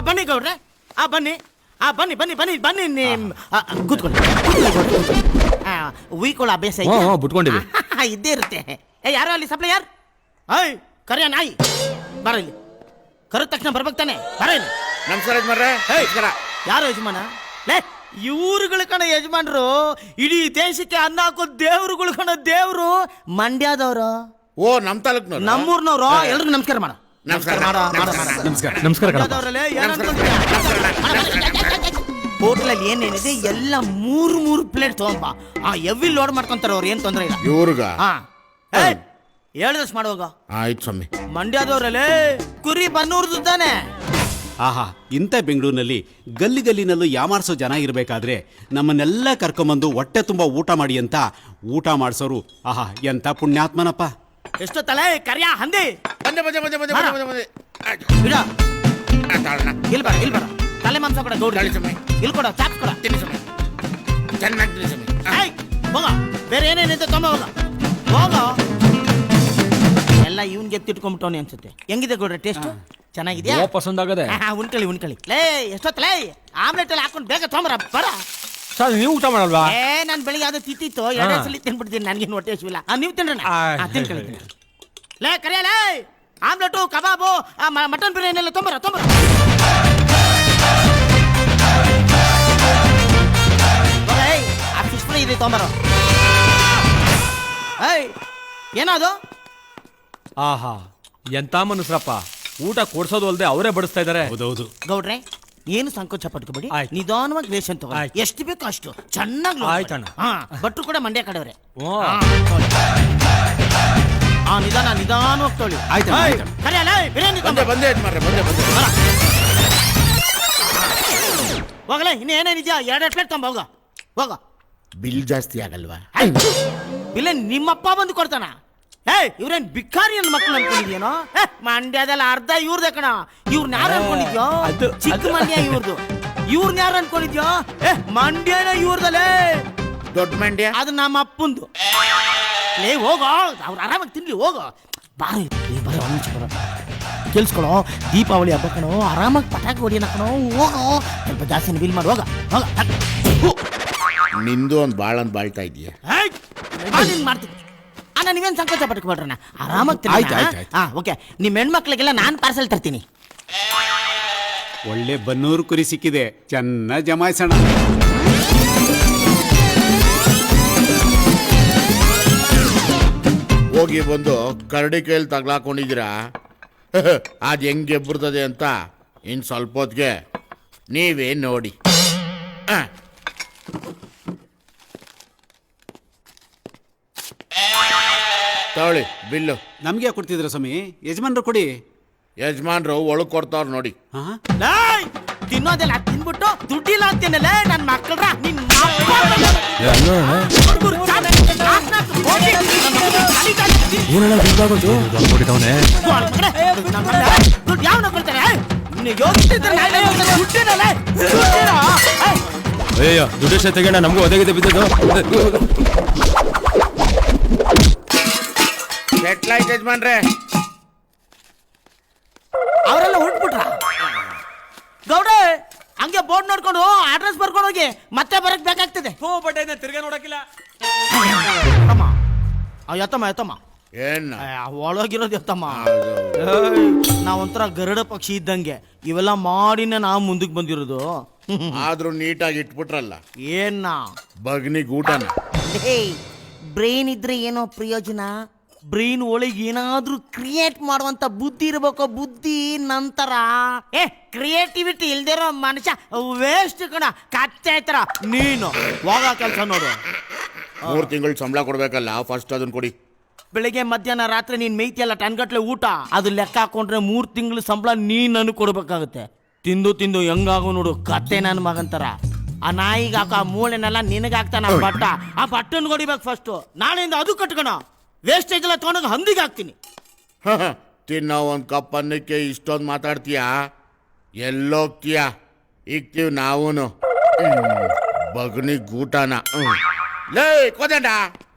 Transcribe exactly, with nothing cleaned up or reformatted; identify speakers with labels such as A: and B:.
A: ಬನ್ನಿ ಗೌಡ್ರೆ, ಆ ಬನ್ನಿ, ಆ ಬನ್ನಿ ಬನ್ನಿ ಬನ್ನಿ ಬನ್ನಿ ನಿಮ್ ಕೂತ್ಕೊಳ್ಳಿ. ಉಯ್ಕೊಳ್ಳೋ ಅಭ್ಯಾಸ
B: ಬಿಟ್ಕೊಂಡಿವಿ
A: ಇದ್ದೇ ಇರುತ್ತೆ. ಏ ಯಾರೋ ಅಲ್ಲಿ ಸಪ್ಲೈಯರ್, ಐ ಕರಿಯ ನಾಯಿ ಬರ ಇಲ್ಲಿ. ಕರೆದ ತಕ್ಷಣ ಬರ್ಬೇಕು ತಾನೆ, ಬರ ಇಲ್ಲಿ.
C: ನಮಸ್ಕಾರ ಯಜಮಾನ್ರೆ.
A: ಯಾರು ಯಜಮಾನ? ಲೇ ಇವ್ರುಗಳ ಕಣ ಯಜಮಾನ್ರು, ಇಡೀ ದೇಶಕ್ಕೆ ಅನ್ನ ಹಾಕೋ ದೇವ್ರುಗಳ ಕಣ ದೇವ್ರು. ಮಂಡ್ಯದವ್ರು,
C: ಓ ನಮ್ ತಾಲೂಕ್ನವ್ರು,
A: ನಮ್ಮೂರ್ನವ್ರು. ಎಲ್ರಿಗೂ ನಮಸ್ಕಾರ ಮಾಡ.
C: ನಮಸ್ಕಾರ
B: ನಮಸ್ಕಾರ ನಮಸ್ಕಾರ.
A: ಹೋಟ್ಲಲ್ಲಿ ಏನೇನಿದೆ ಎಲ್ಲ ಮೂರು ಮೂರು ಪ್ಲೇಟ್ ತಗೊಂಬ. ಆ ಎವ್ವಿ ಲೋಡ್ ಮಾಡ್ಕೊಂತಾರ ಅವ್ರು, ಏನ್ ತೊಂದ್ರೆ ಇಲ್ಲ.
C: ಇವ್ರಿಗ
A: ಹೇಳಿದಷ್ಟು ಮಾಡುವಾಗ.
C: ಆಯ್ತು ಸ್ವಾಮಿ.
A: ಮಂಡ್ಯದವ್ರಲ್ಲೇ ಕುರಿ ಬನ್ನೂರ್ದು ತಾನೆ.
D: ಆಹಾ, ಇಂಥ ಬೆಂಗಳೂರಿನಲ್ಲಿ ಗಲ್ಲಿ ಗಲ್ಲಿನಲ್ಲೂ ಯಾಮಾರಿಸೋ ಜನ ಇರಬೇಕಾದ್ರೆ ನಮ್ಮನ್ನೆಲ್ಲ ಕರ್ಕೊಂಬಂದು ಹೊಟ್ಟೆ ತುಂಬ ಊಟ ಮಾಡಿ ಅಂತ ಊಟ ಮಾಡಿಸೋರು ಆಹಾ ಎಂಥ ಪುಣ್ಯಾತ್ಮನಪ್ಪ.
A: ಎಷ್ಟು ತಲೆ ಕರಿಯ ಹಂದಿ.
C: ಬಂದೆ ಬಂದೆ ಬಂದೆ ಬಂದೆ ಬಂದೆ ಬಂದೆ
A: ಬಿಡ, ಇಲ್ಲಿ ಬರ ಇಲ್ಲಿ ಬರ. ತಲೆ ಮಾಂಸ ಕೊಡ ಗೌಡ, ಇಲ್ಲಿ ಕೊಡ ಚಾಪ್ ಕೊಡ.
C: ತಿನ್ನಿ ಸ್ವಾಮಿ, ಚೆನ್ನಾಗಿ ತಿನ್ನಿ ಸ್ವಾಮಿ.
A: ಹೋಗ, ಬೇರೆ ಏನೇನಿದೆ ತೊಂಬ ಹೋಗ ಹೋಗ. ಎಲ್ಲ ಇವನ್ಗೆ ಎತ್ತಿಟ್ಕೊಂಡ್ಬಿಟ್ಟವನಿ ಅನ್ಸುತ್ತೆ. ಹೆಂಗಿದೆ ಗೌಡ್ರೆ ಟೇಸ್ಟ್? ಚೆನ್ನಾಗಿದ್ಯಾ?
B: ಪಸಂದ್ ಆಗದೆ.
A: ಉಣ್ಕಳಿ ಉಣ್ಕಳಿ. ಲೇ ಎಷ್ಟೊತ್ತ ಲೇ ಆಮ್ಲೆಟ್ ಎಲ್ಲ ಹಾಕೊಂಡು ಬೇಗ ತೊಂಬರ ಬರ.
B: ಸರ್ ನೀವು ಊಟ ಮಾಡಲ್ವಾ?
A: ಏ ನಾನು ಬೆಳಿಗ್ಗೆ ಅದು ತಿತ್ತಿತ್ತು, ಎರಡೇ ಸಲ ತಿನ್ಬಿಡ್ತೀನಿ, ನನಗೇನು ಹೊಟ್ಟೆ ಹಸಿವಿಲ್ಲ. ನೀವು ತಿನ್ರಣ್ಣ, ತಿನ್ಕಳಿ. ಲೇ ಕರಿಯ ಲೇ ಆಮ್ಲೆಟು ಕಬಾಬು ಮಟನ್ ಬಿರಿಯಾನಿ ಎಲ್ಲ ತೊಂಬರ ತೊಂಬರ. ಆ ಫಿಶ್ ಫ್ರೈ ಇದೆ ತೊಂಬರ. ಏಯ್ ಏನದು?
B: ಆಹಾ ಎಂತ ಮನುಷ್ಯರಪ್ಪ, ಊಟ ಕೊಡ್ಸೋದು ಅಲ್ಲದೆ ಅವರೇ ಬಡಿಸ್ತಾ ಇದಾರೆ.
D: ಹೌದೌದು
A: ಗೌಡ್ರೆ, ಏನು ಸಂಕೋಚ ಪಟ್ಕೋಬೇಡಿ, ನಿಧಾನವಾಗಿ ರೇಷನ್ ತಗೊಳ್ಳಿ. ಎಷ್ಟು ಬೇಕೋ ಅಷ್ಟು ಚೆನ್ನಾಗಿ.
B: ಆಯ್ತಣ್ಣ.
A: ಹಾ, ಭಟ್ರು ಕೂಡ ಮಂಡ್ಯ ಕಡೆಯವ್ರೆ. ಹಾ, ನಿಧಾನ ನಿಧಾನವಾಗಿ ತೊಳಿ. ಕರಿಯಲ್ಲ ಬಿರಿಯಾನಿ
C: ಬಂದೆ ಬಂದೆ ಯಜಮಾನ್ರೆ, ಬಂದೆ ಬಂದೆ.
A: ಹೋಗಲೇ, ಇನ್ನು ಏನೇನಿದ್ಯಾ ಎರಡೆರಡು ಪ್ಲೇಟ್ ತೊಂಬ ಹೋಗ ಹೋಗ.
C: ಬಿಲ್ ಜಾಸ್ತಿ ಆಗಲ್ವಾ?
A: ಬಿಲ್ ನಿಮ್ಮಪ್ಪ ಬಂದು ಕೊಡ್ತಾನ? ಏ ಇವ್ರೇನ್ ಬಿಕ್ಕಾರಿ ನನ್ನ ಮಕ್ಕಳು ಅನ್ಕೊಂಡಿದ್ಯೇನೋ? ಮಂಡ್ಯದಲ್ಲಿ ಅರ್ಧ ಇವ್ರದೇ ಕಣ. ಇವ್ರನ್ನ ಯಾರು ಅನ್ಕೊಂಡಿದ್ಯೋ? ಚಿಕ್ಕ ಮಂಡ್ಯ ಇವ್ರದು. ಇವ್ರನ್ನ ಯಾರು ಅನ್ಕೊಂಡಿದ್ಯೋ? ಏ ಮಂಡ್ಯನ ಇವ್ರದಲ್ಲೇ,
C: ದೊಡ್ಡ ಮಂಡ್ಯ
A: ಅದು ನಮ್ಮ ಅಪ್ಪಂದು. ಲೇ ಹೋಗೋ, ಅವ್ರು ಆರಾಮಾಗಿ ತಿನ್ಲಿ ಹೋಗೋ. ಬಾರಿ ಬರ ಕೇಳಿಸ್ಕೊಳೋ, ದೀಪಾವಳಿ ಹಬ್ಬ ಕಣೋ, ಆರಾಮಾಗಿ ಪಟಾಕಿ ಹೊಡಿಯೋಣ ಕಣೋ. ಹೋಗೋ, ಸ್ವಲ್ಪ ಜಾಸ್ತಿ ಬಿಲ್ ಮಾಡಿ ಹೋಗ ಹೋಗ.
C: ನಿಂದು ಒಂದು ಬಾಳ ಅಂತ ಬಾಳ್ತಾ ಇದೀಯ.
A: ಮಾಡ್ತೀನಿ ಅಣ್ಣ, ನೀವೇನು ಸಂಕೋಚ ಪಟ್ಕೊಬೇಡ್ರಣ್ಣ, ಆರಾಮಾಗಿ. ಹಾ ಓಕೆ, ನಿಮ್ಮ ಹೆಣ್ಮಕ್ಳಿಗೆಲ್ಲ ನಾನು ಪಾರ್ಸೆಲ್ ತರ್ತೀನಿ.
D: ಒಳ್ಳೆ ಬನ್ನೂರು ಕುರಿ ಸಿಕ್ಕಿದೆ, ಚೆನ್ನಾಗಿ ಜಮಾಯಿಸೋಣ.
C: ಹೋಗಿ ಬಂದು ಕರಡಿ ಕೈಯಲ್ಲಿ ತಗ್ಲಾಕೊಂಡಿದ್ದೀರಾ? ಅದು ಹೆಂಗೆ ಎಬ್ಬರ್ತದೆ ಅಂತ ಇನ್ನು ಸ್ವಲ್ಪ ಹೊತ್ತಿಗೆ ನೀವೇ ನೋಡಿ. ತಗೊಳ್ಳಿ ಬಿಲ್ಲು.
D: ನಮ್ಗೆ ಕೊಡ್ತಿದ್ರ ಸ್ವಾಮಿ? ಯಜಮಾನ್ರು ಕೊಡಿ.
C: ಯಜಮಾನ್ರು ಒಳಗೆ ಕೊಡ್ತಾವ್ರ ನೋಡಿ.
A: ತಿನ್ನೋದೆಲ್ಲ ತಿನ್ಬಿಟ್ಟು ದುಡ್ಡಿಲ್ಲ ಅಂತೀನಲ್ಲ ನನ್ನ ಮಕ್ಕಳ್ರ. ನಿನ್ನ ಯಾವನ ಕೊಡ್ತಾರೆ?
B: ಅಯ್ಯೋ ದುಡ್ಡು ತೆಗೋಣ, ನಮಗೂ ಒದಗಿದೆ ಬಿದ್ದದು.
C: ಸೆಟ್ಲಾಯ್ತು ಯಜಮಾನ್ರೆ.
A: ಅವರೆಲ್ಲ ಹೊರಟ್ಬಿಟ್ರ? ಗೌಡ ಹಂಗೆ ಬೋರ್ಡ್ ನೋಡ್ಕೊಂಡು ಅಡ್ರೆಸ್ ಬರ್ಕೊಂಡು ಹೋಗಿ ಮತ್ತೆ ಬರಕ್ ಬೇಕಾಗ್ತದೆ.
B: ತಿರ್ಗಾ ನೋಡಕ್ಕಿಲ್ಲ.
A: ಎತ್ತಮ್ಮ ಎತ್ತಮ್ಮ,
C: ಏನ್
A: ಒಳಗಿರೋದು ಎತ್ತಮ್ಮ. ನಾವೊಂಥರ ಗರುಡ ಪಕ್ಷಿ ಇದ್ದಂಗೆ ಇವೆಲ್ಲ ಮಾಡಿನ ನಾವು ಮುಂದಕ್ಕೆ ಬಂದಿರೋದು.
C: ಆದ್ರೂ ನೀಟಾಗಿ ಇಟ್ಬಿಟ್ರಲ್ಲ.
A: ಏನ
C: ಬಗ್ನಿ ಗೂಟನ.
A: ಬ್ರೈನ್ ಇದ್ರೆ ಏನೋ ಪ್ರಯೋಜನ. ಬ್ರೈನ್ ಒಳಗೆ ಏನಾದ್ರೂ ಕ್ರಿಯೇಟ್ ಮಾಡುವಂತ ಬುದ್ಧಿ ಇರ್ಬೇಕು. ಬುದ್ಧಿ ನಂತರ ಏ ಕ್ರಿಯೇಟಿವಿಟಿ ಇಲ್ದಿರೋ ಮನುಷ್ಯ ವೇಸ್ಟ್ ಕಣ, ಕಚ್ಚೆ ತರ. ನೀನು ಹೋಗ ಕೆಲಸ ನೋಡು.
C: ಮೂರು ತಿಂಗಳು ಸಂಬಳ ಕೊಡ್ಬೇಕಲ್ಲ, ಫಸ್ಟ್ ಅದನ್ನ ಕೊಡಿ.
A: ಬೆಳಿಗ್ಗೆ ಮಧ್ಯಾಹ್ನ ರಾತ್ರಿ ನೀನ್ ಮೇಯ್ತಿಯಲ್ಲ ಟನ್ಗಟ್ಲೆ ಊಟ, ಅದು ಲೆಕ್ಕ ಹಾಕೊಂಡ್ರೆ ಮೂರು ತಿಂಗಳು ಸಂಬಳ ನೀನ್ ನನಗೆ ಕೊಡ್ಬೇಕಾಗುತ್ತೆ. ತಿಂದು ತಿಂದು ಹೆಂಗಾಗು ನೋಡು, ಕತ್ತೆ ನನ್ನ ಮಗಂತರ. ಆ ನಾಯಿಗೆ ಹಾಕೋ ಆ ಮೂಳೆನೆಲ್ಲ ನಿನಗಾಗ್ತಾನ ಬಟ್ಟ. ಆ ಬಟ್ಟನ್ ಹೊಡಿಬೇಕು ಫಸ್ಟ್. ನಾಳೆಯಿಂದ ಅದು ಕಟ್ಕೋಣ. ವೇಸ್ಟೇಜ್ ಎಲ್ಲ ತೊಗೊಂಡೋಗಿ ಹಂದಿಗೆ ಹಾಕ್ತೀನಿ.
C: ತಿನ್ನೋ ಒಂದು ಕಪ್ ಅನ್ನಕ್ಕೆ ಇಷ್ಟೊಂದು ಮಾತಾಡ್ತೀಯಾ? ಎಲ್ಲೋಗ್ತೀಯಾ? ಇಕ್ತೀವಿ ನಾವೂನು ಬಗ್ನಿ ಗೂಟನ. ಲೇ ಕೋದಂಡ,